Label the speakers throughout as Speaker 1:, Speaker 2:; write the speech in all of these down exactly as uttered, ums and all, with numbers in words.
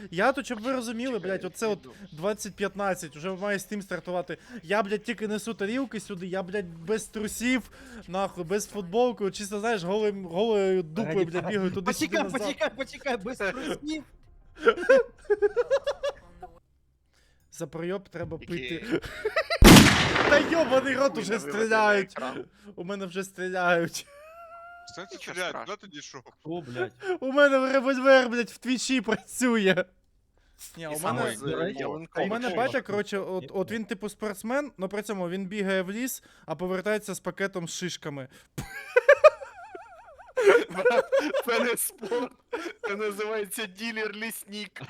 Speaker 1: я тут, щоб ви розуміли,
Speaker 2: Чекай,
Speaker 1: блядь, оце от
Speaker 2: йду.
Speaker 1: двадцять п'ятнадцять, уже має Steam стартувати. Я, блядь, тільки несу тарілки сюди, я, блядь, без трусів, нахуй, без футболки, от чисто, знаєш, голим, голою дупою, блядь, бігаю туди-сюди
Speaker 3: Почекай,
Speaker 1: назад.
Speaker 3: почекай, почекай, без трусів.
Speaker 1: За пройоб треба
Speaker 2: Який?
Speaker 1: пити. Та йобаний рот
Speaker 2: Хуй
Speaker 1: уже
Speaker 2: не виведе на
Speaker 1: стріляють.
Speaker 2: екран.
Speaker 1: У мене вже стріляють.
Speaker 4: Що це
Speaker 2: Нічого
Speaker 4: стріляє?
Speaker 2: страшного.
Speaker 4: Куди ти дійшов?
Speaker 3: О, блядь.
Speaker 1: У мене револьвер, блядь, в твічі працює. Ні,
Speaker 2: І
Speaker 1: у
Speaker 2: саме
Speaker 1: мене...
Speaker 2: з
Speaker 3: до речі,
Speaker 2: ялинковим
Speaker 1: У мене
Speaker 3: Ой,
Speaker 1: батя,
Speaker 3: ой.
Speaker 1: коротше, от, от він типу спортсмен, але при цьому він бігає в ліс, а повертається з пакетом з шишками.
Speaker 2: Це не спорт, це називається дилер-лісник.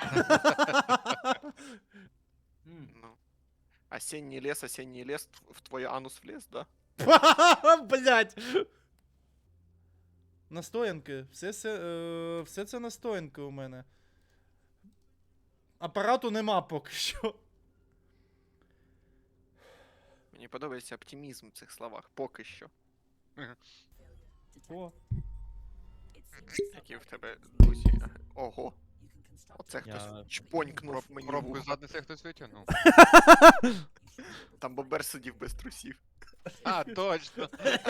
Speaker 3: М.
Speaker 2: Ну. Осенний лес, осенний лес, в твой анус влез, да?
Speaker 1: Блять. Настоянки. Все, все, е, все це настоянки у мене. Апарату нема поки що.
Speaker 2: Мені подобається оптимізм в цих словах, поки що.
Speaker 1: О.
Speaker 2: Які в тебе друзі. Ого. Оце
Speaker 3: Я-
Speaker 2: хтось чпонькнув мені в
Speaker 4: Пробку
Speaker 2: ухо.
Speaker 4: задниці хтось витягнув.
Speaker 2: Там бобер сидів без трусів.
Speaker 4: А, точно.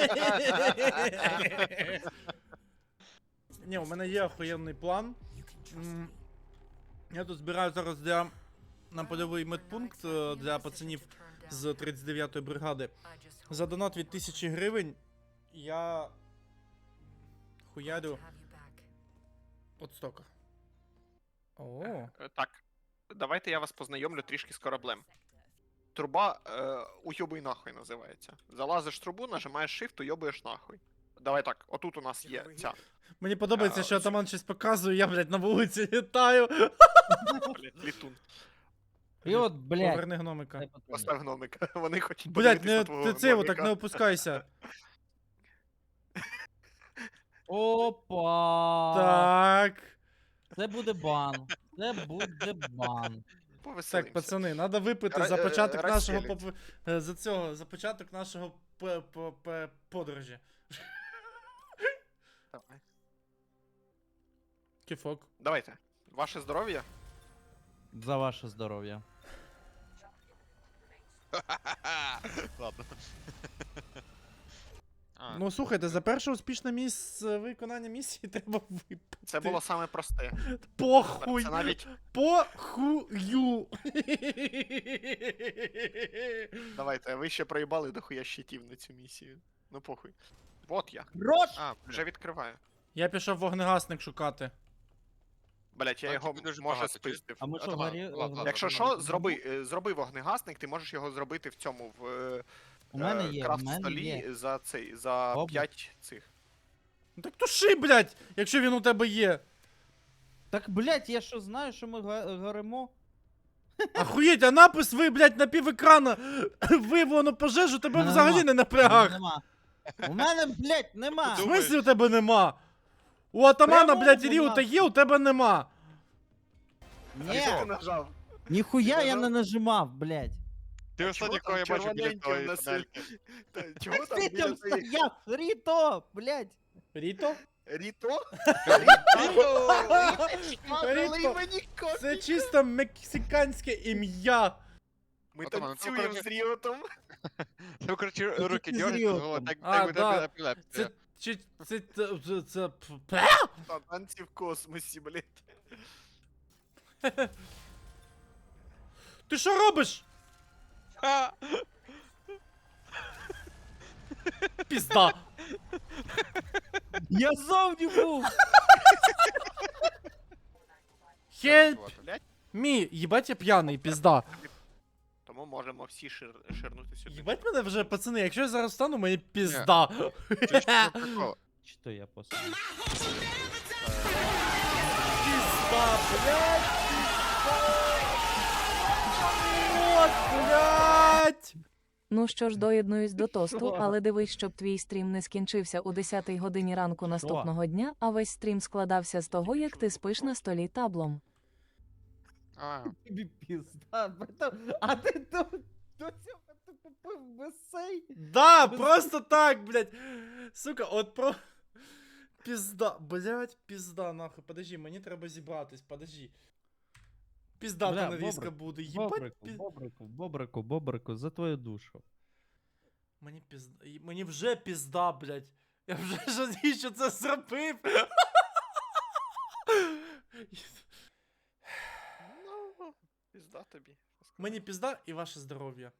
Speaker 1: Ні, у мене є охуєнний план. М, Я тут збираю зараз для на польовий медпункт е, для пацанів з тридцять дев'ятої бригади. За донат від тисячі гривень я хуярю от стока. О,
Speaker 2: Е, Так, давайте я вас познайомлю трішки з кораблем. Труба е, уйобуй нахуй називається. Залазиш в трубу, нажимаєш shift, уйобуєш нахуй. Давай так, отут у нас є ця.
Speaker 1: мені подобається,
Speaker 2: А,
Speaker 1: що
Speaker 2: ось-
Speaker 1: атаман щось показує, я, блядь, на вулиці літаю.
Speaker 2: Блядь, літун.
Speaker 3: І от, блядь.
Speaker 1: Поверни гномика.
Speaker 3: дай патрон.
Speaker 2: Постав гномика. Вони хочуть
Speaker 1: Блядь,
Speaker 2: подивитись
Speaker 1: не
Speaker 2: на твого
Speaker 1: ти це, отак
Speaker 2: гномика.
Speaker 1: не опускайся.
Speaker 3: Опа.
Speaker 1: Так.
Speaker 3: Це буде бан. Це буде бан.
Speaker 2: Повеселимося.
Speaker 1: Так, пацани, треба випити
Speaker 2: Ра-
Speaker 1: за
Speaker 2: е,
Speaker 1: початок нашого
Speaker 2: розселять.
Speaker 1: поп- е, за цього, за початок нашого п- п- п- подорожі.
Speaker 2: Давай.
Speaker 1: Кіфок.
Speaker 2: Давайте. Ваше здоров'я?
Speaker 3: За ваше здоров'я.
Speaker 4: Ладно. А,
Speaker 1: Ну слухайте, за перше успішне місце виконання місії треба випити.
Speaker 2: Це було саме просте.
Speaker 1: Похуй!
Speaker 2: Це навіть.
Speaker 1: Похую!
Speaker 2: Давайте, ви ще проїбали дохуя щитів на цю місію. Ну похуй. Вот я.
Speaker 3: Рош!
Speaker 4: а,
Speaker 2: Вже відкриваю.
Speaker 1: Я пішов вогнегасник шукати.
Speaker 2: Блять, я
Speaker 4: А,
Speaker 2: його
Speaker 4: тобі дуже
Speaker 2: може
Speaker 4: багато, чи-
Speaker 2: спиздив.
Speaker 3: А ми що,
Speaker 4: Атаман,
Speaker 3: горі...
Speaker 4: ладно, ладно.
Speaker 2: Якщо
Speaker 3: горі-
Speaker 2: що, зроби, е, зроби вогнегасник, ти можеш його зробити в цьому в е,
Speaker 3: У мене
Speaker 2: е,
Speaker 3: є, у
Speaker 2: крафт
Speaker 3: мене
Speaker 2: столі
Speaker 3: є.
Speaker 2: за цей за
Speaker 3: Обла-
Speaker 2: п'ять цих.
Speaker 1: Ну так туши, блядь, якщо він у тебе є.
Speaker 3: Так, блядь, я що знаю, що ми га- горимо?
Speaker 1: Ахуєть, а напис ви, блядь, на пів екрана виявлено пожежу, тебе
Speaker 3: Нема.
Speaker 1: взагалі не напряг.
Speaker 3: Нема. У мене, блядь, нема.
Speaker 1: В
Speaker 4: Думаєш?
Speaker 1: смислі у тебе нема? У атамана,
Speaker 3: Прямо
Speaker 1: блядь,
Speaker 3: нема.
Speaker 1: Ріута є, у тебе нема.
Speaker 2: А
Speaker 3: Ні,
Speaker 2: що ти нажав?
Speaker 3: ніхуя
Speaker 2: Ти
Speaker 3: я
Speaker 2: нажав?
Speaker 3: не нажимав, блядь.
Speaker 4: Ти
Speaker 2: А
Speaker 4: останній,
Speaker 2: чого
Speaker 4: кого я
Speaker 2: там
Speaker 4: бачу біля
Speaker 2: червоненьке
Speaker 4: твоєї
Speaker 2: в нас є?
Speaker 4: панельки.
Speaker 2: Та, чого там
Speaker 3: Ти
Speaker 2: біля
Speaker 3: там
Speaker 2: твоєї-
Speaker 3: стояв, Ріто, блядь.
Speaker 1: Ріто?
Speaker 2: Ріто?
Speaker 1: Ріто. Це чисто мексиканське ім'я.
Speaker 2: Ми
Speaker 4: Атаман, ну,
Speaker 2: танцюємо
Speaker 4: коротше,
Speaker 2: з Ріотом.
Speaker 4: Ти, коротше, руки
Speaker 3: ти
Speaker 4: дергаєш,
Speaker 3: зріл
Speaker 4: так
Speaker 1: А,
Speaker 4: так
Speaker 1: да.
Speaker 4: буде епілепсія.
Speaker 1: Це чи це це це- це п-
Speaker 2: Та танці в космосі, блядь.
Speaker 1: Ти що робиш?
Speaker 4: Ха!
Speaker 1: Пізда.
Speaker 3: Я зовні був.
Speaker 1: Хельп
Speaker 2: Блядь,
Speaker 1: мі, їбать я п'яний, пізда.
Speaker 2: тому можемо всі шир... ширнути сюди.
Speaker 1: Їбать мене вже, пацани, якщо я зараз встану, мені пізда.
Speaker 4: Це ж прикол.
Speaker 3: Чи то я просто?
Speaker 1: Пізда, блядь, пізда. От, блядь.
Speaker 5: Ну що ж, доєднуюсь до тосту,
Speaker 3: Що?
Speaker 5: але дивись, щоб твій стрім не скінчився у десятій годині ранку наступного дня, а весь стрім складався з того, як ти спиш на столі таблом.
Speaker 4: А,
Speaker 3: Тобі пізда, братан. А ти до, до цього ти купив бесей?
Speaker 1: Да, просто так, блядь. Сука, от про... Пізда, блядь, пізда, нахуй. Подожди, мені треба зібратись, подожди. Піздата
Speaker 3: Бля,
Speaker 1: нарізка
Speaker 3: бобрик,
Speaker 1: буде. Їбать,
Speaker 3: Бобрику,
Speaker 1: пі...
Speaker 3: бобрику, бобрику, бобрику, за твою душу.
Speaker 1: Мені пізда. і- Мені вже пізда, блядь. Я вже жалію, що це зробив.
Speaker 2: Ну, пізда тобі. що сказати.
Speaker 1: Мені пізда і ваше здоров'я.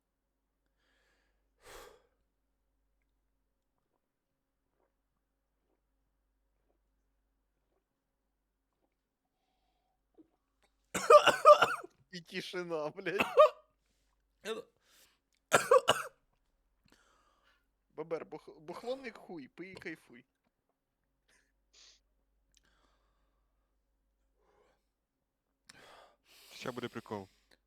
Speaker 2: І тишина, блядь.
Speaker 1: Я-
Speaker 2: Бобер, бух... бухлонник хуй, пий і кайфуй.
Speaker 4: Ще буде прикол.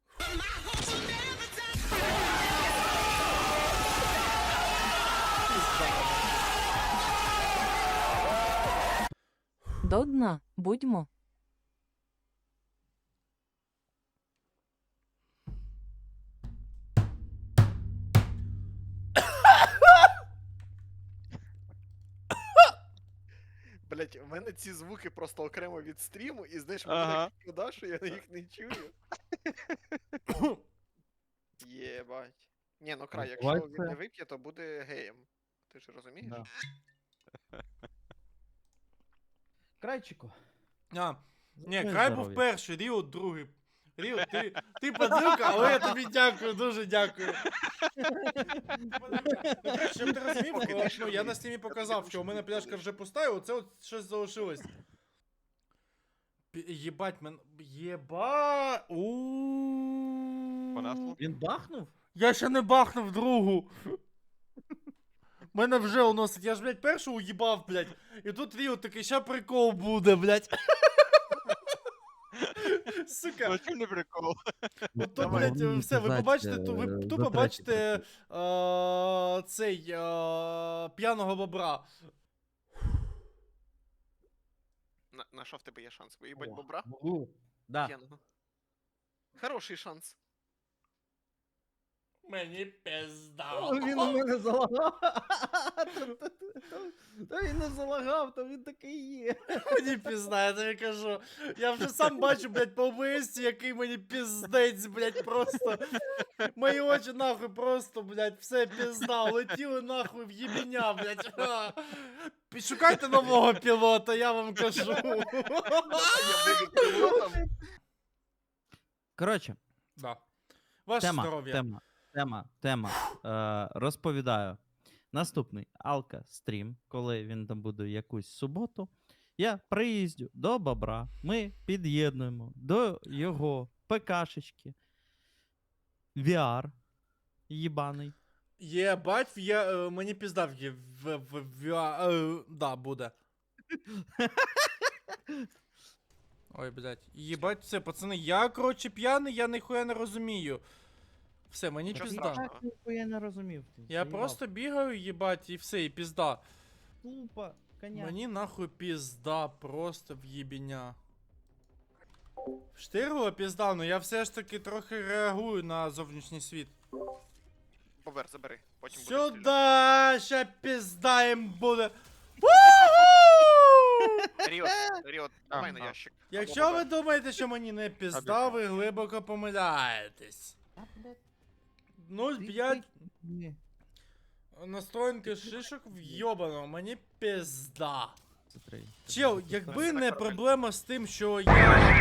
Speaker 5: До дна, будьмо.
Speaker 2: Блять, у мене ці звуки просто окремо від стріму, і знаєш,
Speaker 4: Ага.
Speaker 2: мене так шкода, що я їх не чую. Єбать. Ні, ну край, якщо
Speaker 3: Буває
Speaker 2: він
Speaker 3: це.
Speaker 2: не вип'є, то буде геєм. Ти ж розумієш?
Speaker 3: Да. Крайчику.
Speaker 1: А,
Speaker 3: за
Speaker 1: ні,
Speaker 3: твоє
Speaker 1: край був
Speaker 3: здоров'я.
Speaker 1: перший, Ріо другий. Ріо, ти, ти подилка, але я тобі дякую, дуже дякую. Ну, коротше, щоб ти розумів,
Speaker 2: Поки
Speaker 1: о,
Speaker 2: ти
Speaker 1: ну, я на стімі показав, що у мене пляшка вже пуста, і оце от щось залишилось. Пі- Єбать, мен... Єба...
Speaker 4: Понесло?
Speaker 3: Він бахнув?
Speaker 1: Я ще не бахнув другу. Мене вже уносить. Я ж, блядь, першу уїбав, блядь. І тут Ріо такий, ща прикол буде, блядь. Сука.
Speaker 4: Ну, чим не прикол?
Speaker 1: Ну то,
Speaker 2: Давай.
Speaker 1: блядь,
Speaker 3: Мені
Speaker 1: все, ви
Speaker 3: казать,
Speaker 1: побачите, ту- ви
Speaker 3: е,
Speaker 1: тупо
Speaker 3: за третій
Speaker 1: бачите е, цей е, п'яного бобра.
Speaker 2: На, на що в тебе є шанс? Виїбать
Speaker 3: О,
Speaker 2: бобра?
Speaker 3: Могу. Да.
Speaker 2: П'яного. Хороший шанс.
Speaker 1: Мені пизда.
Speaker 3: О, він у мене залагав. Та він не залагав, то він такий є.
Speaker 1: Мені пізда, я тобі кажу. Я вже сам бачу, блядь, по ОБС, який мені пиздець, блядь, просто. Мої очі нахуй просто, блядь, все пізда, летіли нахуй в їбеня, блядь. А. Шукайте нового пілота, я вам кажу.
Speaker 2: Я буду пілотом.
Speaker 3: Коротше,
Speaker 1: Да. Ваше
Speaker 3: тема,
Speaker 1: здоров'я.
Speaker 3: тема, тема, тема. Е, розповідаю. Наступний Алка стрім, коли він там буде якусь суботу. Я приїздю до бобра, ми під'єднуємо до його ПКшечки. ві ар їбаний.
Speaker 1: Єбать, я, е, мені пізда в, є- в, в, в, а, е, да, буде. Ой, блядь. Єбать, все, пацани, я, коротше, п'яний, я ніхуя не розумію. Все, мені
Speaker 2: Нічого
Speaker 1: пізда.
Speaker 2: страшного.
Speaker 3: Я не розумів. Ти,
Speaker 1: Я
Speaker 3: заїбав.
Speaker 1: просто бігаю, їбать, і все, і пізда.
Speaker 3: Тупо, коня.
Speaker 1: Мені нахуй пізда, просто в їбеня. Штиргула пізда, ну я все ж таки трохи реагую на зовнішній світ.
Speaker 2: Бобер, забери. Потім буде стріляти.
Speaker 1: Сюда, ща пізда їм буде. Ву!
Speaker 2: Ріот, Ріот, давай на
Speaker 4: Ага.
Speaker 2: ящик. Або
Speaker 1: Якщо ви
Speaker 2: Бобер.
Speaker 1: думаєте, що мені не пізда, ви глибоко помиляєтесь.
Speaker 3: А, блядь,
Speaker 1: нуль
Speaker 3: ти-
Speaker 1: п'ять
Speaker 3: ти- ні.
Speaker 1: настроєнки шишок вйобано, мені пізда.
Speaker 3: Це три.
Speaker 1: Чел,
Speaker 3: Це
Speaker 1: якби
Speaker 2: Це
Speaker 1: не
Speaker 2: нормально.
Speaker 1: проблема з тим, що я...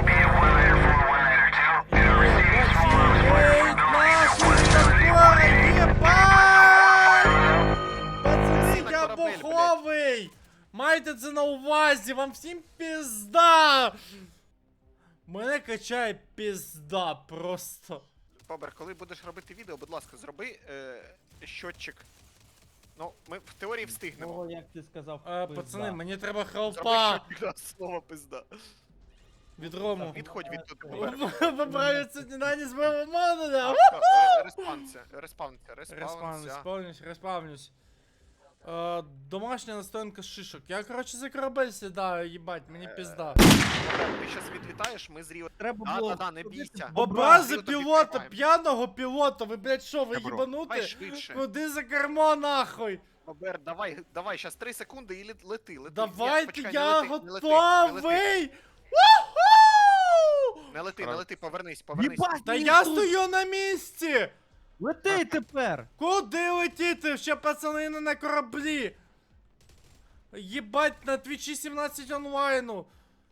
Speaker 1: Єбать, нахуй такое, єбать! Пацани, я
Speaker 2: корабель, блядь.
Speaker 1: буховий! Майте це на увазі, вам всім пізда! Мене качає пізда просто.
Speaker 2: Бобер, коли будеш робити відео, будь ласка, зроби е, щотчик. Ну, ми в теорії встигнемо.
Speaker 3: О, як ти сказав,
Speaker 1: А,
Speaker 3: пизда.
Speaker 1: пацани, мені треба
Speaker 2: Зроби
Speaker 1: хелпа
Speaker 2: щотчик раз, слово пизда.
Speaker 1: від Рому.
Speaker 2: Відходь від тут, Бобер.
Speaker 1: Поправиться не на з моєго модуля.
Speaker 2: Респавнся, респавнся,
Speaker 1: Респавнюсь,
Speaker 2: респавнся.
Speaker 1: респавнюсь, респавнюсь. Е, домашня настоянка з шишок. Я, коротше, за корабель сідаю, їбать, мені
Speaker 2: Е,
Speaker 1: пізда.
Speaker 2: Бобер, ти щас відлітаєш, ми з Ріо...
Speaker 3: Треба
Speaker 2: Да,
Speaker 3: було...
Speaker 2: да, да, не
Speaker 3: ходити
Speaker 2: бійся.
Speaker 3: в
Speaker 1: Бобра
Speaker 2: Ріо
Speaker 1: за
Speaker 2: тобі
Speaker 1: пілота,
Speaker 2: тримаємо.
Speaker 1: п'яного пілота, ви, блядь, що, ви
Speaker 4: Добро.
Speaker 2: Давай
Speaker 1: їбанути?
Speaker 2: швидше.
Speaker 1: Куди за кермо, нахуй?
Speaker 2: Бобер, давай, давай, щас три секунди і лет- лети, лети. Ні,
Speaker 1: Давайте,
Speaker 2: почекай, не
Speaker 1: я
Speaker 2: лети, не лети, не лети.
Speaker 1: готовий! Уху!
Speaker 2: Не лети, лети, не
Speaker 4: Раз.
Speaker 2: лети, повернись, повернись.
Speaker 3: Єбать,
Speaker 1: Та
Speaker 3: він
Speaker 1: я
Speaker 3: тут!
Speaker 1: стою на місці!
Speaker 3: Лети тепер!
Speaker 1: Куди летіти? Ще пацани не на кораблі! Єбать, на твічі сімнадцять онлайну!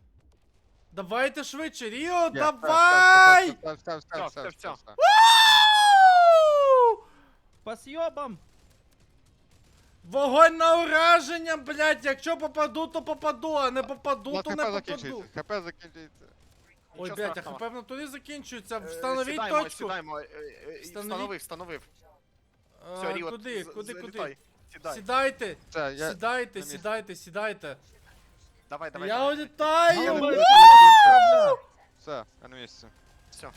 Speaker 1: Давайте швидше, Ріо,
Speaker 4: Є,
Speaker 1: давай!
Speaker 4: Все, все, все, все,
Speaker 2: Всё,
Speaker 4: все,
Speaker 2: всё,
Speaker 4: все,
Speaker 2: всё.
Speaker 4: все.
Speaker 1: Ау!
Speaker 3: По съёбам!
Speaker 1: Вогонь на ураження, блядь, якщо попаду, то попаду, а не попаду,
Speaker 4: Ну,
Speaker 1: то
Speaker 4: ХП
Speaker 1: не попаду.
Speaker 4: закінчується, ХП закінчується.
Speaker 1: Ой,
Speaker 2: Нічого
Speaker 1: блядь, а
Speaker 2: страшного.
Speaker 1: хп в натурі закінчується,
Speaker 2: Е,
Speaker 1: встановіть
Speaker 2: сідаємо,
Speaker 1: точку.
Speaker 2: Сідаємо, е, е,
Speaker 1: Встановіть.
Speaker 2: встановив, встановив.
Speaker 1: А,
Speaker 2: Все, Ріо,
Speaker 1: куди,
Speaker 2: з-
Speaker 1: куди, куди?
Speaker 2: залітай. Сідай.
Speaker 1: Сідайте,
Speaker 4: Все, я...
Speaker 1: сідайте,
Speaker 4: на місці.
Speaker 1: сідайте, сідайте.
Speaker 2: Давай, давай,
Speaker 1: Я
Speaker 2: давай.
Speaker 1: улітаю!
Speaker 3: Давай.
Speaker 4: Все, я на місці.
Speaker 2: Все.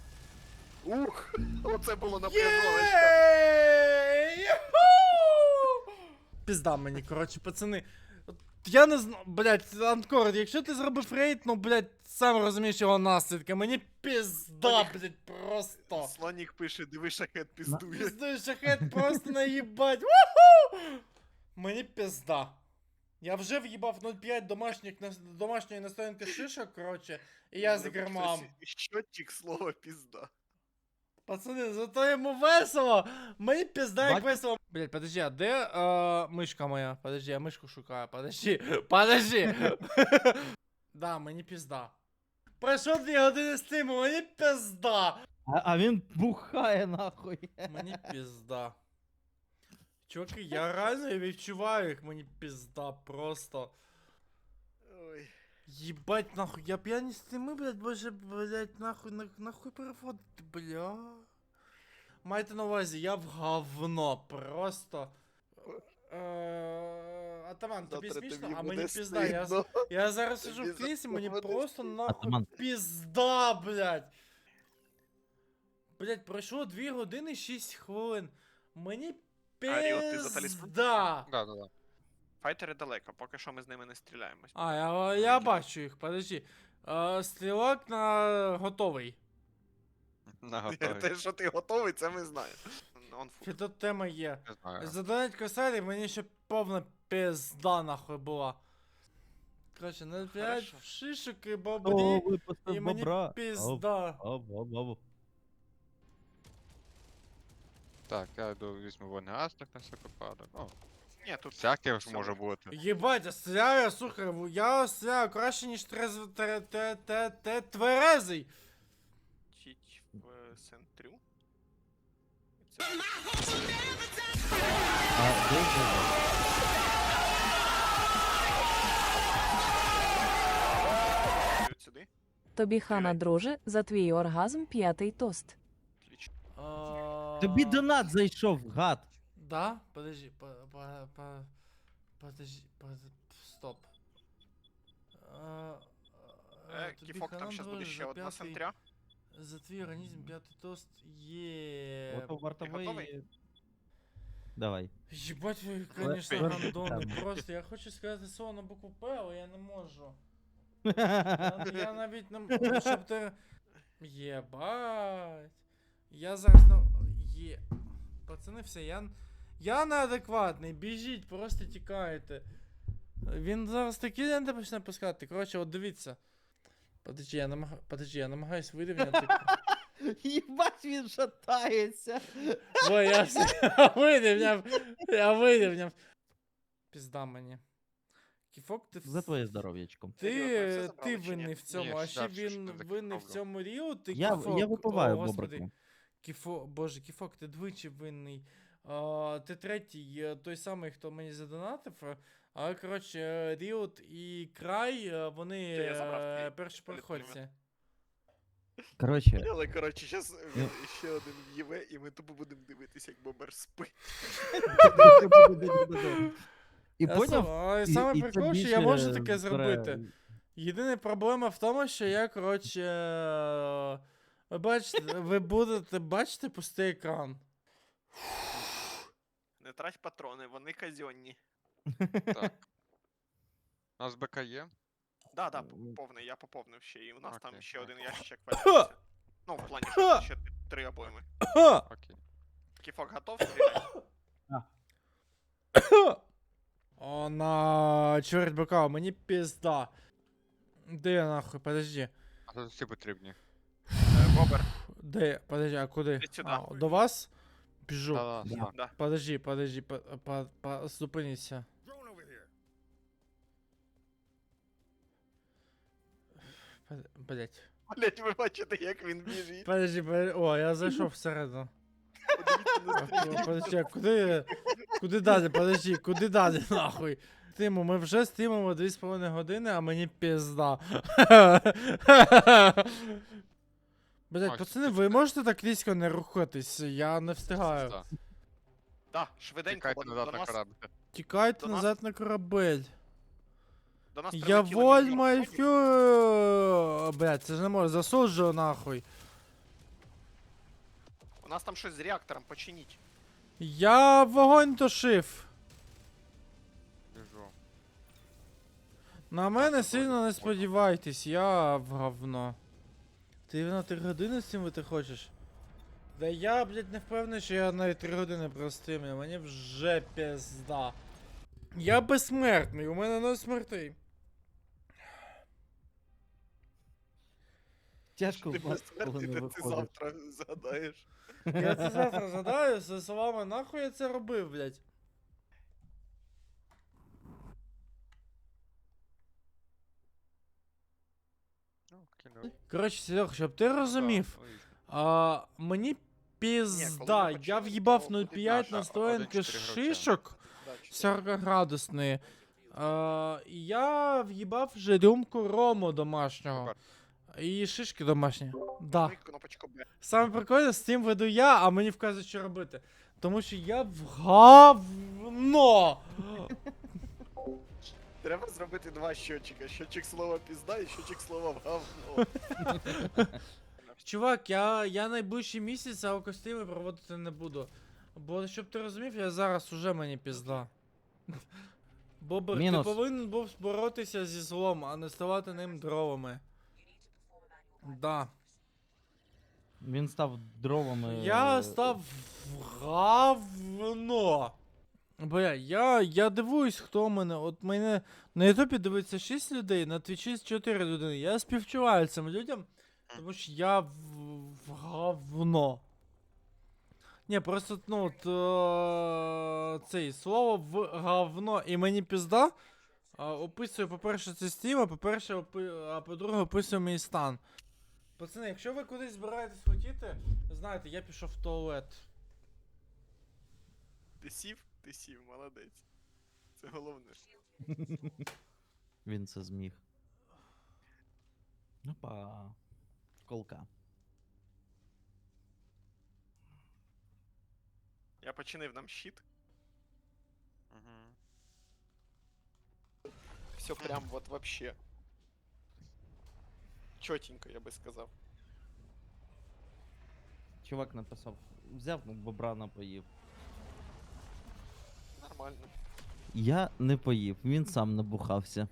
Speaker 2: Ух, оце було напряжовочка.
Speaker 1: Єй! Юху! Пізда мені, коротше, пацани. От Я не знаю, блядь, Анкор, якщо ти зробив рейд, ну, блядь, сам розумієш його наслідки. Мені пізда, блядь, просто.
Speaker 2: Слонік пише, диви, шахет піздує.
Speaker 1: Піздуй, шахет просто наїбать. Уху! Мені пізда. Я вже в'їбав нуль п'ять домашніх, нас- домашньої настоянки шишок, коротше, і я з гермам.
Speaker 2: Щотчик слова пізда.
Speaker 1: Пацани, зато йому весело. Мені пізда як
Speaker 3: Бать-
Speaker 1: весело. Блять, подожди, а де е, мишка моя? Подожди, я мишку шукаю. Подожди. Подожди. Да, мені пізда. Пройшло дві години стріму, мені пізда.
Speaker 3: А, а він бухає нахуй.
Speaker 1: Мені пізда. Чуваки, я реально відчуваю їх, мені пізда просто.
Speaker 2: Ой.
Speaker 1: Єбать, нахуй, я п'яні стріми, блядь, боже, блядь, нахуй, на, нахуй переводити, бля. Майте на увазі, я в говно, просто. Е, Атаман, тобі
Speaker 2: Завтра
Speaker 1: смішно,
Speaker 2: тобі
Speaker 1: а
Speaker 2: буде
Speaker 1: мені пізда, я,
Speaker 2: стидно.
Speaker 1: я зараз сижу
Speaker 2: Тобі
Speaker 1: в кріслі, мені
Speaker 2: завтра буде
Speaker 1: просто нахуй
Speaker 3: Атаман.
Speaker 1: пізда, блядь. Блядь, пройшло дві години шість хвилин. Мені
Speaker 2: А, Ріо, ти за талісман?
Speaker 1: пізда.
Speaker 4: Да, да, да.
Speaker 2: Файтери далеко, поки що ми з ними не стріляємось.
Speaker 1: А, я, я бачу їх, подожди. Е, стрілок на готовий.
Speaker 4: На готові.
Speaker 2: Те, що ти готовий, це ми знаємо. Он фу.
Speaker 1: Чи тут тема є?
Speaker 4: Не знаю.
Speaker 1: Задонать косарі, мені ще повна пизда нахуй була. Короче, нуль п'ять
Speaker 2: Хорошо.
Speaker 1: шишок і
Speaker 3: О,
Speaker 1: бобрі,
Speaker 3: випустив
Speaker 1: і мені
Speaker 3: бобра.
Speaker 1: пизда.
Speaker 3: Об, об, об.
Speaker 4: Так, я йду візьму вогнегасник на всяк випадок. Ну,
Speaker 2: Ні, тут
Speaker 4: всяке ж
Speaker 2: все
Speaker 4: може
Speaker 2: можна.
Speaker 4: бути.
Speaker 1: Єбать, я стріляю, слухай, в- я стріляю краще, ніж трезв... те, те, те, те, тверезий.
Speaker 2: чіть в е, центрю. Це
Speaker 3: А, де ж?
Speaker 2: от сюди.
Speaker 5: Тобі хана, друже, за твій оргазм п'ятий тост.
Speaker 2: Отлично.
Speaker 1: А,
Speaker 3: Тобі донат зайшов, гад.
Speaker 1: Да? Подожди, по, по, по, подожди, по, стоп. А, а,
Speaker 2: Е,
Speaker 1: тобі
Speaker 2: Кіфок, там
Speaker 1: хана,
Speaker 2: зараз буде
Speaker 1: друже,
Speaker 2: ще
Speaker 1: за
Speaker 2: одна
Speaker 1: п'ятий-
Speaker 2: центря.
Speaker 1: За твій організм п'ятий тост є.
Speaker 3: Ото вартовий.
Speaker 2: готовий?
Speaker 3: Давай.
Speaker 1: Єбать ви,
Speaker 3: Але-
Speaker 1: конечно,
Speaker 3: Але-
Speaker 1: гандони. Просто я хочу сказати слово на букву П, але я не можу. Я, я навіть не можу, щоб ти. Єбать. Я зараз на. Є. Пацани, все, я. Я неадекватний, біжіть, просто тікайте. Він зараз такі ленти почне пускати. Коротше, от дивіться. Подожди, я намаг... Подожди, я намагаюсь вирівняти.
Speaker 3: Єбать, він шатається.
Speaker 1: Ой, я все я вирівняв. Я вирівняв. Пізда мені. Кіфок, ти
Speaker 3: За твоє здоров'ячко.
Speaker 1: Ти,
Speaker 2: Серйозно, все
Speaker 1: ти
Speaker 2: забрали чи ні?
Speaker 1: винний в цьому,
Speaker 4: Ні,
Speaker 1: а
Speaker 4: ще
Speaker 1: ще
Speaker 4: щось
Speaker 1: він
Speaker 4: не
Speaker 1: винний в
Speaker 4: закінчив.
Speaker 1: цьому Ріо, ти
Speaker 3: Я,
Speaker 1: Кіфок.
Speaker 3: я випиваю
Speaker 1: О, господи.
Speaker 3: бобрику.
Speaker 1: Кіфо, боже, Кіфок, ти двічі винний. А, ти третій, е, той самий, хто мені задонатив. е, Але, коротше, Ріот і Край, е, вони
Speaker 2: Це я забрав
Speaker 1: е,
Speaker 2: твій
Speaker 1: перші
Speaker 2: телефон.
Speaker 1: переходці.
Speaker 3: Коротше,
Speaker 2: Але, коротше, зараз
Speaker 3: Ну.
Speaker 2: ще один в'єве, і ми тупо будемо дивитися, як бомбер спить.
Speaker 3: і
Speaker 1: Я
Speaker 3: поняв?
Speaker 1: сам- але
Speaker 3: І-
Speaker 1: саме
Speaker 3: і це
Speaker 1: прикол, що я
Speaker 3: більше
Speaker 1: можу таке
Speaker 3: збере-
Speaker 1: зробити. Єдина проблема в тому, що я, коротше. е, Ви бачите, ви будете бачити пустий екран.
Speaker 2: Не трать патрони, вони казенні.
Speaker 4: Так. У нас БК є?
Speaker 2: Да, да,
Speaker 3: Ну,
Speaker 2: повний, я поповнив ще, і у нас там
Speaker 4: окей,
Speaker 2: ще один
Speaker 4: окей.
Speaker 2: ящичок валяється. Ну, в плані, що ще три обойми.
Speaker 1: Ха!
Speaker 4: Окей.
Speaker 2: Кіфок готов стріляти?
Speaker 1: О, на чверть бока, мені пізда. Де я нахуй, подожди.
Speaker 4: А тут всі потрібні.
Speaker 2: Бобер,
Speaker 1: Де? Подожди, а куди?
Speaker 2: Іди сюди.
Speaker 1: А, до вас? Біжу.
Speaker 4: Да, да, да.
Speaker 2: да.
Speaker 1: Подожди, подожди, по, по, по, зупиніться. Под- Блять.
Speaker 2: Блять, ви бачите, як він біжить.
Speaker 1: Подожди, подожди. О, я зайшов всередину.
Speaker 2: Подивіться на стрім.
Speaker 1: Подожди, а куди? Куди далі? Подожди, куди далі, нахуй? Тиму, ми вже стрімимо дві з половиною години, а мені пізда. Блять,
Speaker 4: Макс,
Speaker 1: пацани,
Speaker 4: ти
Speaker 1: ви
Speaker 4: чекай.
Speaker 1: можете так різко не рухатись? Я не встигаю.
Speaker 4: Да.
Speaker 2: Да, швиденько,
Speaker 4: Тікайте
Speaker 2: бо до
Speaker 4: назад на
Speaker 2: нас,
Speaker 4: корабль.
Speaker 1: Тікайте
Speaker 2: До нас-
Speaker 1: назад на корабель.
Speaker 2: до нас
Speaker 1: Я
Speaker 2: прилетіло
Speaker 1: воль
Speaker 2: мільйон
Speaker 1: май
Speaker 2: дронів.
Speaker 1: фю. Блять, це ж не може, засуджую нахуй.
Speaker 2: У нас там щось з реактором, починіть.
Speaker 1: Я вогонь тушив.
Speaker 4: Біжу.
Speaker 1: На мене
Speaker 4: це
Speaker 1: сильно
Speaker 4: добре.
Speaker 1: не сподівайтесь, я в говно. Ти на три години з цим ти хочеш? Да я, блядь, не впевнений, що я навіть три години простимлю, мені вже пізда. Я безсмертний, у мене не смертей.
Speaker 3: Тяжко
Speaker 2: Ти
Speaker 3: в вас, коли
Speaker 2: безсмертний,
Speaker 3: не
Speaker 2: та ти
Speaker 3: виходить.
Speaker 2: завтра згадаєш.
Speaker 1: Я це завтра згадаю зі словами, нахуй я це робив, блядь.
Speaker 4: Ну, кинув.
Speaker 1: Коротше, Серег, щоб ти розумів,
Speaker 4: Да, ой,
Speaker 1: а, мені
Speaker 2: Ні,
Speaker 1: пізда,
Speaker 2: коли ми
Speaker 1: я
Speaker 2: почали,
Speaker 1: в'їбав
Speaker 2: то
Speaker 1: нуль
Speaker 2: буде
Speaker 1: п'ять
Speaker 2: наша
Speaker 1: настоянки
Speaker 4: один чотири гравця.
Speaker 1: шишок.
Speaker 2: Да, чотири.
Speaker 1: сорок-градусної. А, я в'їбав вже рюмку рому домашнього.
Speaker 4: Бобер.
Speaker 1: І шишки домашні. Да.
Speaker 2: Ми кнопочку Б.
Speaker 1: Саме прикольне, з цим веду я, а мені вказують, що робити. Тому що я в говно.
Speaker 2: Треба зробити два щотчика. Щотчик слова пізда і щотчик слова в говно.
Speaker 1: Чувак, я, я найближчий місяць аукостими проводити не буду. Бо щоб ти розумів, я зараз уже мені пізда. Бобер,
Speaker 3: Мінус.
Speaker 1: ти повинен був боротися зі злом, а не ставати ним дровами. Да.
Speaker 3: Він став дровами.
Speaker 1: Я
Speaker 3: е,
Speaker 1: став в говно. Бля, я, я дивуюсь, хто мене. От мене на Ютубі дивиться шість людей, на Твічі чотири людини. Я співчуваю цим людям, тому що я в, в говно. Ні, просто, ну, от, е, цей слово в говно і мені пізда. А, описує, по-перше, це стрім, а по-перше, опи- а по-друге, описує мій стан. Пацани, якщо ви кудись збираєтесь хотіти, знаєте, я пішов в туалет.
Speaker 2: Ти сів? Ти сів, молодець. Це головне.
Speaker 3: Він це зміг. Опа. Колка.
Speaker 2: Я починив нам щит.
Speaker 4: Мгм.
Speaker 2: Все прям вот вообще. Чотенько, я би сказав.
Speaker 3: Чувак написав. Взяв бобра напоїв.
Speaker 2: Нормально.
Speaker 3: Я не поїв, він сам набухався.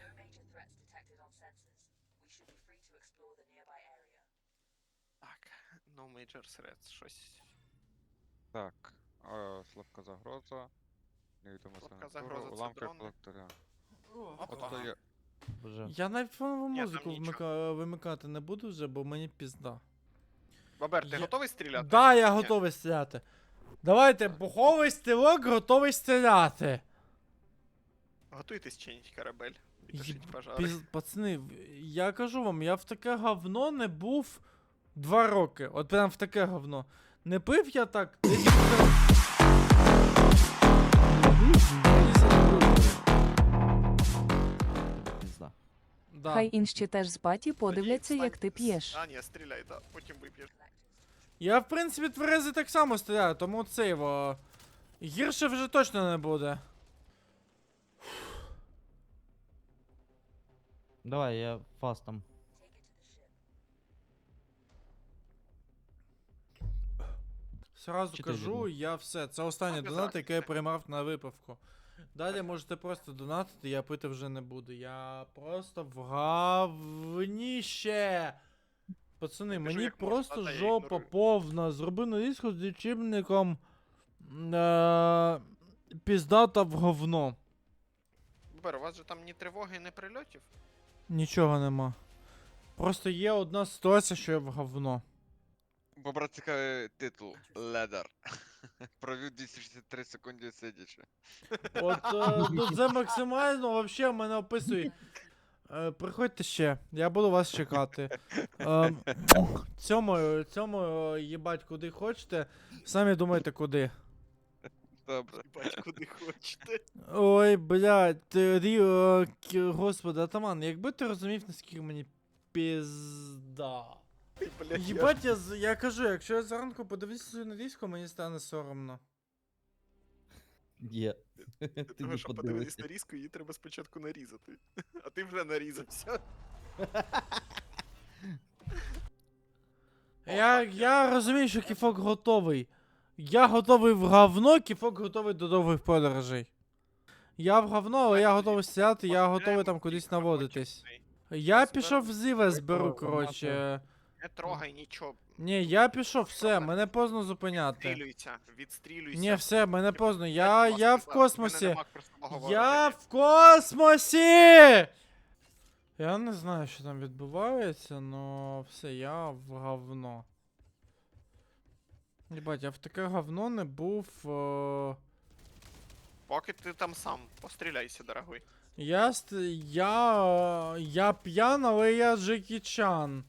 Speaker 2: Так, no major threats, щось.
Speaker 4: Так. е, Слабка загроза. Невідома
Speaker 2: Слабка
Speaker 4: сигнатура,
Speaker 2: загроза, це
Speaker 4: уламки
Speaker 2: дрони.
Speaker 4: колектора.
Speaker 2: Опа.
Speaker 4: От то є.
Speaker 3: Боже.
Speaker 1: Я навіть фонову
Speaker 2: Ні, там
Speaker 1: музику
Speaker 2: нічого.
Speaker 1: вмика... вимикати не буду вже, бо мені пізда.
Speaker 2: Бабер, ти
Speaker 1: Я-
Speaker 2: готовий стріляти?
Speaker 1: Да, я
Speaker 2: Ні.
Speaker 1: готовий стріляти. Давайте, буховий стрілок, готовий стріляти.
Speaker 2: Готуйтесь чинить корабель. І
Speaker 1: Єб-
Speaker 2: тушить пожари.
Speaker 1: Піз... Пацани, в- я кажу вам, я в таке говно не був два роки. От прям в таке говно. Не пив я так. десь вже-
Speaker 3: Пізда.
Speaker 1: Да.
Speaker 5: Хай інші теж з паті подивляться,
Speaker 2: Тоді
Speaker 5: як ти
Speaker 2: стань-
Speaker 5: п'єш.
Speaker 2: А, ні, стріляй, да, потім вип'єш.
Speaker 1: Я, в принципі, тверезий так само стріляю, тому це його. Гірше вже точно не буде.
Speaker 3: Давай, я фастом.
Speaker 1: Сразу
Speaker 3: Чи ти
Speaker 1: кажу,
Speaker 3: відмов?
Speaker 1: я все. Це останній
Speaker 2: Так, без
Speaker 1: донат, який я
Speaker 2: разниці.
Speaker 1: приймав на випивку. Далі можете просто донатити, я пити вже не буду. Я просто в говніще. Пацани,
Speaker 2: Я біжу
Speaker 1: мені
Speaker 2: як можу,
Speaker 1: просто
Speaker 2: та-та, я
Speaker 1: жопа
Speaker 2: ігнорую.
Speaker 1: повна. Зроби нарізку з лічильником. Е- піздата в говно.
Speaker 2: Бабер, у вас же там ні тривоги, ні прильотів?
Speaker 1: Нічого нема. Просто є одна ситуація, що я в говно.
Speaker 4: Бобра цікавий титул Ледар. Провів двісті шістдесят три секунди сидячи.
Speaker 1: От е, ну це максимально вообще мене описує. Е, приходьте ще, я буду вас чекати. Е, цьому, цьому е, їбать куди хочете, самі думайте куди.
Speaker 4: Добре.
Speaker 2: Бать, куди хочете.
Speaker 1: Ой, блядь, ти, рі, е, к- господи, атаман, якби ти розумів, наскільки мені пізда.
Speaker 2: Блядь, я ж-
Speaker 1: Їбать, я, з- я кажу, якщо я зранку подивлюся свою нарізку, мені стане соромно.
Speaker 3: Є.
Speaker 2: Для
Speaker 3: Ти
Speaker 2: того,
Speaker 3: не
Speaker 2: щоб подивитись
Speaker 3: подивися.
Speaker 2: нарізку, її треба спочатку нарізати. А ти вже нарізався.
Speaker 1: Я, я розумію, що кіфок готовий. Я готовий в говно, кіфок готовий до довгих подорожей. Я в говно, але я готовий стріляти, я готовий там кудись наводитись. Я пішов в зіве зберу, коротше.
Speaker 2: Не трогай нічого.
Speaker 1: Ні, я пішов, все, мене поздно зупиняти.
Speaker 2: Відстрілюйся, відстрілюйся.
Speaker 1: Ні, все, мене поздно.
Speaker 2: Блядь,
Speaker 1: Я,
Speaker 2: будь
Speaker 1: я
Speaker 2: ласка,
Speaker 1: в
Speaker 2: в мене
Speaker 1: космосі.
Speaker 2: нема про що говорити.
Speaker 1: Я в космосі! Я не знаю, що там відбувається, но все, я в говно. Єбать, я в таке говно не був. Е...
Speaker 2: Поки ти там сам, постріляйся, дорогой.
Speaker 1: Я ст... я. е, Я п'ян, але я Джекі Чан.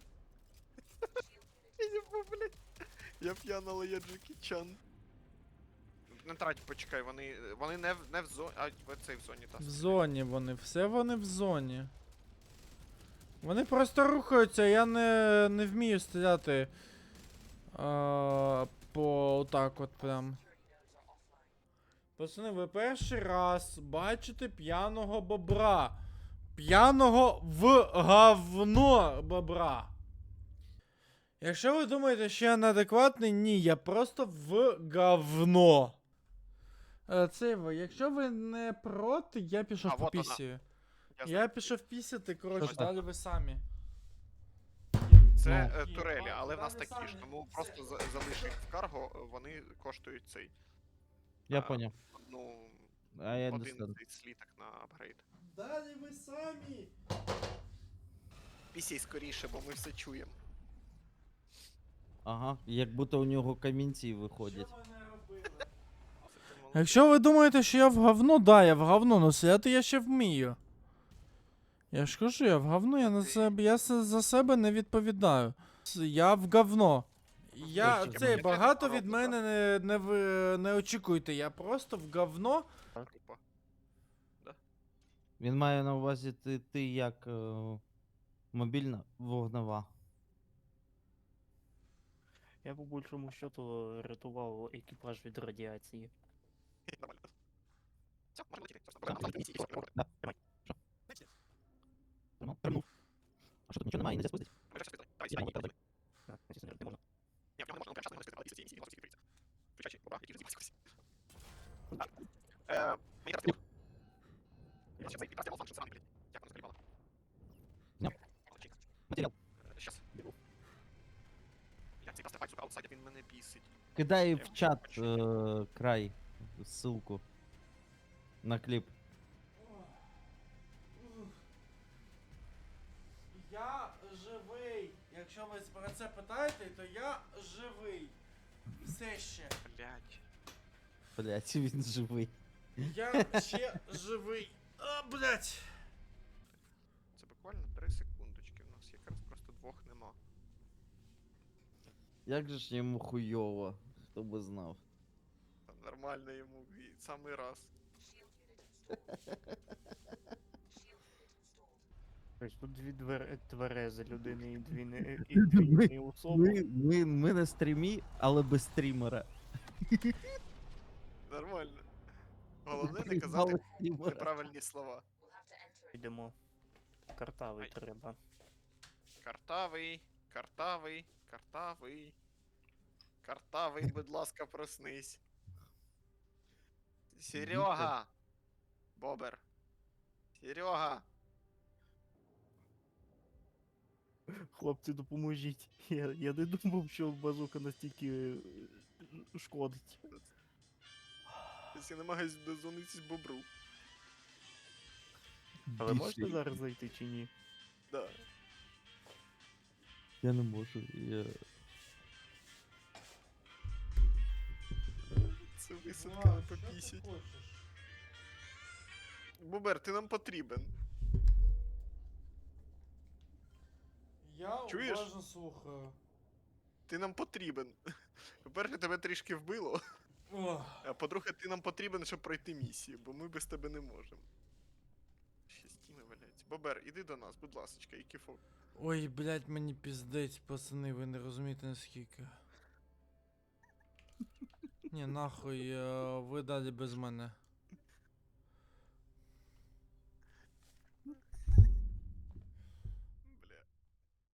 Speaker 2: Я блядь. Я п'яна, але я Джекі Чан. Не трать, почекай, вони. Вони не в не в зоні. А в цей в зоні, та.
Speaker 1: В зоні вони, все вони в зоні. Вони просто рухаються, я не, не вмію стріляти. А, по так от прям. Пацани, ви перший раз бачите п'яного бобра. П'яного в говно бобра. Якщо ви думаєте, що я неадекватний, ні, я просто в говно. Е, Це ви, якщо ви не проти, я пішов
Speaker 2: А,
Speaker 1: по
Speaker 2: вот вона.
Speaker 1: пісію.
Speaker 2: Я
Speaker 1: Я пішов пісяти, коротше,
Speaker 3: Що це?
Speaker 1: далі ви самі.
Speaker 2: Це
Speaker 3: Ну.
Speaker 2: е, турелі, але в нас
Speaker 1: Далі
Speaker 2: такі ж,
Speaker 1: самі.
Speaker 2: тому просто за- залиш їх в карго, вони коштують цей.
Speaker 3: Я
Speaker 2: А,
Speaker 3: поняв.
Speaker 2: Ну,
Speaker 3: А я
Speaker 2: один
Speaker 3: understand.
Speaker 2: цей сліток на апгрейд.
Speaker 1: Далі ви самі.
Speaker 2: Пісій скоріше, бо ми все чуємо.
Speaker 3: Ага, як будто у нього камінці виходять.
Speaker 1: Якщо ви думаєте, що я в говно, да, я в говно, но стріляти я ще вмію. Я ж кажу, я в говно, я на себе, я се- за себе не відповідаю. С- Я в говно. Я
Speaker 3: Точно.
Speaker 1: цей
Speaker 2: Я
Speaker 1: багато
Speaker 2: теж
Speaker 1: від мене не, не, ви- не очікуйте, я просто в говно.
Speaker 2: Тупо.
Speaker 3: Він має на увазі ти, ти як е, мобільна вогнева.
Speaker 6: Я по більшому счету рятував екіпаж від радіації.
Speaker 2: Нормально. Все, можемо летіти.
Speaker 3: А що тут нічого немає, не спустить?
Speaker 2: Давай, сідай. Ні, в нього не можна, прямо зараз не можна сказати, не можна сказати. Включай, бобра, який розібрався. Е, мені зараз піду. Я ще цей якраз діалог фанкшн сраний, блядь. Як воно скалібало?
Speaker 3: Ня. Матеріал.
Speaker 2: Щас. Я цей якраз тепер, сука, аутсайдер, він мене бісить.
Speaker 3: Кидай
Speaker 2: Я
Speaker 3: в чат
Speaker 2: хочу.
Speaker 3: е, край ссылку на кліп.
Speaker 1: Я живий. Якщо ви про це питаєте, то я живий. Все ще.
Speaker 2: Блядь.
Speaker 3: Блять, він живий.
Speaker 1: Я ще живий. А, блять.
Speaker 2: Це буквально три секундочки, в нас якраз просто двох нема.
Speaker 3: Як же ж йому хуйово, хто би знав.
Speaker 2: Та нормально йому, і самий раз.
Speaker 6: Тобто тут дві двер... тверези людини і дві не і дві не особи.
Speaker 3: Ми, ми, ми на стрімі, але без стрімера.
Speaker 2: Нормально. Головне не
Speaker 3: Приїбали
Speaker 2: казати
Speaker 3: стрімера.
Speaker 2: неправильні слова.
Speaker 6: Йдемо. Картавий
Speaker 2: Ай.
Speaker 6: треба.
Speaker 2: Картавий, картавий, картавий. Картавий, будь ласка, проснись. Серега! Бобер. Серега!
Speaker 6: Хлопці, допоможіть. Я, я не думав, що базука настільки е, шкодить.
Speaker 2: Я намагаюсь дозвонитись бобру.
Speaker 6: Але
Speaker 3: Більше.
Speaker 6: можете зараз зайти чи ні?
Speaker 2: Да.
Speaker 3: Я не можу. Я...
Speaker 2: Це висадка не попісять. Бобер, ти нам потрібен.
Speaker 1: Я
Speaker 2: Чуєш?
Speaker 1: уважно слухаю.
Speaker 2: Ти нам потрібен. По-перше, тебе трішки вбило,
Speaker 1: Ох.
Speaker 2: а по-друге, ти нам потрібен, щоб пройти місію, бо ми без тебе не можемо. Ще стіни валяються. Бобер, іди до нас, будь ласочка, і кіфо.
Speaker 1: Ой, блядь, мені піздець, пацани, ви не розумієте наскільки. Ні, нахуй, е, ви далі без мене.